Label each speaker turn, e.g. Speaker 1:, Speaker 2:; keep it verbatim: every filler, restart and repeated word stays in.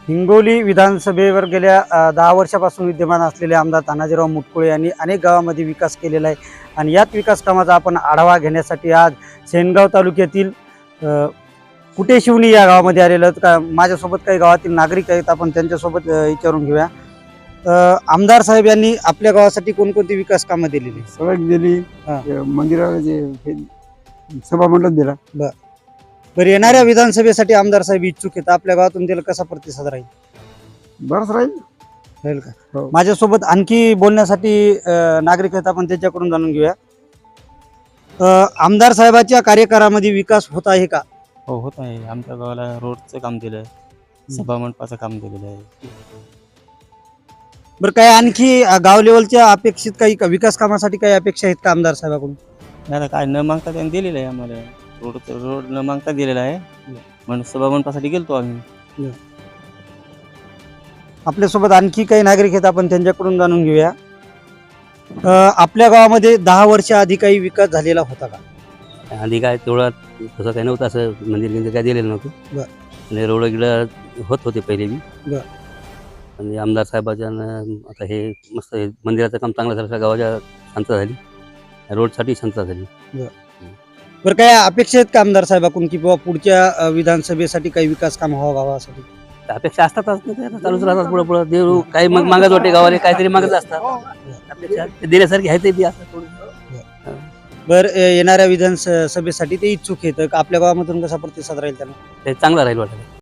Speaker 1: हिंगोली विधानसभेवर गेल्या अ, दहा वर्षापासून विद्यमान असलेले आमदार तानाजीराव मुटकुळे यांनी अनेक गावामध्ये विकास केलेला आहे आणि याच विकास कामाचा आपण आढावा घेण्यासाठी आज सेनगाव तालुक्यातील अ, कुटे शिवणी या गावामध्ये आलेलो आहोत. का माझ्यासोबत काही गावातील नागरिक आहेत, आपण त्यांच्यासोबत अ, विचारून घेऊया. अ, आमदार साहेब यांनी आपल्या गावासाठी कोणकोणती विकास कामं दिलेली?
Speaker 2: सडक दिली,
Speaker 1: हा.
Speaker 2: ते मंदिराला जे हे सभा मंडप दिला.
Speaker 1: बरं, येणाऱ्या विधानसभेसाठी आमदार साहेब इच्छुक आहेत, आपल्या गावातून त्याला कसा प्रतिसाद राहील
Speaker 2: बरंच राहील.
Speaker 1: राहील का?
Speaker 2: हो.
Speaker 1: माझ्यासोबत आणखी बोलण्यासाठी अ, नागरिक आहेत, आपण त्याच्याकडून जाणून घेऊया. अ, आमदार साहेबाच्या कार्यकाळामध्ये विकास होत आहे का?
Speaker 3: हो, होत आहे. आमच्या गावाला रोडचं काम दिलं आहे, सभा मंडपाचं काम दिलेलं आहे.
Speaker 1: बरं, काय आणखी अ, गाव लेवलच्या अपेक्षित काही का- विकास कामासाठी काही अपेक्षा आहेत का आमदार साहेबाकडून?
Speaker 3: नाही आता काय न मागता त्यांनी दिलेलं आहे आम्हाला. रोडचं रोड न मागता दिलेला आहे. म्हणून सभा मंडपासाठी गेलतो आम्ही.
Speaker 1: आपल्यासोबत आणखी काही नागरिक आहेत, आपण त्यांच्याकडून जाणून घेऊया. अ, आपल्या गावामध्ये दहा वर्षा आधी काही विकास झालेला होता का?
Speaker 4: आधी काय तेवढं तसं काही नव्हतं, असं मंदिर गिंदिर काय दिलेलं नव्हतं.
Speaker 1: बरं.
Speaker 4: आणि रोड गिडं होत होते पहिले बी.
Speaker 1: बरं.
Speaker 4: आणि आमदार साहेबाच्या आता हे मस्त हे मंदिराचं काम चांगलं झालं, गावाच्या शांतता झाली, रोडसाठी शांतता झाली.
Speaker 1: बरं, काय अपेक्षा आहेत का आमदार साहेबाकडून की बाबा पुढच्या अ, विधानसभेसाठी काही विकास काम व्हावं गावासाठी?
Speaker 4: तर अपेक्षा असतातच ना, ते आता चालूच राहतात पुढं पुढं. देव काही मग मागत वाटते, गावाला काहीतरी मागत असतात. अपेक्षा ते देण्यासारखी आहे ते बी असं थोडं.
Speaker 1: बरं, अ, येणाऱ्या विधानसभेसाठी ते इच्छुक आहेत, आपल्या गावामधून कसा प्रतिसाद राहील त्यांना?
Speaker 4: ते चांगलं राहील वाटतं.